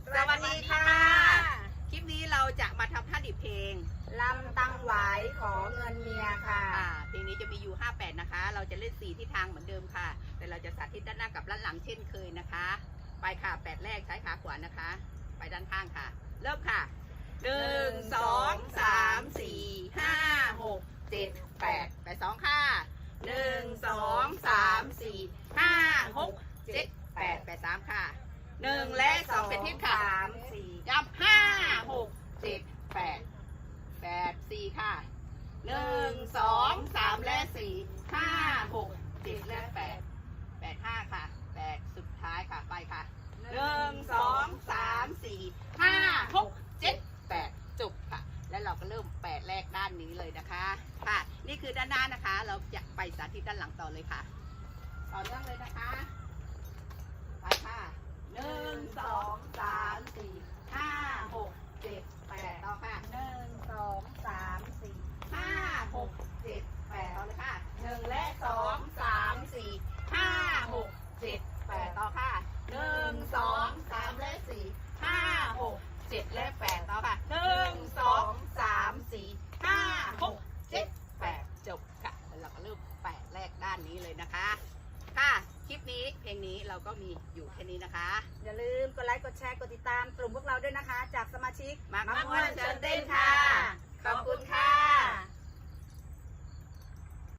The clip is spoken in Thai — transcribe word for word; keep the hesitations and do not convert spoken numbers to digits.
สวัสดีค่ะคลิปนี้เราจะมาทำท่าดิบเพลงลำตังหวายขอเงินเมียค่ะเพลงนี้จะมีอยู่ห้าแปดนะคะเราจะเล่นสี่ทิศทางเหมือนเดิมค่ะแต่เราจะสาธิตด้านหน้ากับด้านหลังเช่นเคยนะคะไปค่ะแปดแรกใช้ขาขวานะคะไปด้านข้างค่ะเริ่มค่ะหนึ่งสองสามสี่ห้าหกเจ็ดแปดไปสองค่ะหนึ่งสองสามสี่ห้าหกเจ็ดแปดไปสามค่ะหนึ่งและสองเป็นทิศค่ะสามสี่ย้ำห้าหกเจ็ดแปดแปดสี่ค่ะหนึ่งสองสามและสี่ห้าหกเจ็ดและแปดแปดห้าค่ะแปดสุดท้ายค่ะไปค่ะหนึ่งสองสามสี่ห้าหกเจ็ดแปดจบค่ะแล้วเราก็เริ่มแปดแรกด้านนี้เลยนะคะค่ะนี่คือด้านหน้านะคะเราจะไปสาธิตด้านหลังต่อเลยค่ะต่อเนื่องเลยนะคะไปค่ะหนึ่งสองสามสี่ห้าหกเจ็ดแปดต่อค่ะหนึ่งสองสามสี่ห้าหกเจ็ดแปดต่อเลยค่ะหนึ่งและสองสามสี่ห้าหกเจ็ดแปดต่อค่ะหนึ่งสองสามและสี่ห้าหกเจ็ดและแปดต่อค่ะหนึ่งสองสามสี่ห้าหกเจ็ดแปดจบค่ะแล้วเราก็เริ่มแปดแรกด้านนี้เลยนะคะค่ะคลิปนี้เพลงนี้เราก็มีอยู่แค่นี้นะคะอย่าลืมกดไลค์กดแชร์กดติดตามกลุ่มพวกเราด้วยนะคะจากสมาชิกมักม่วนเชิญเต้นค่ะขอบคุณค่ะ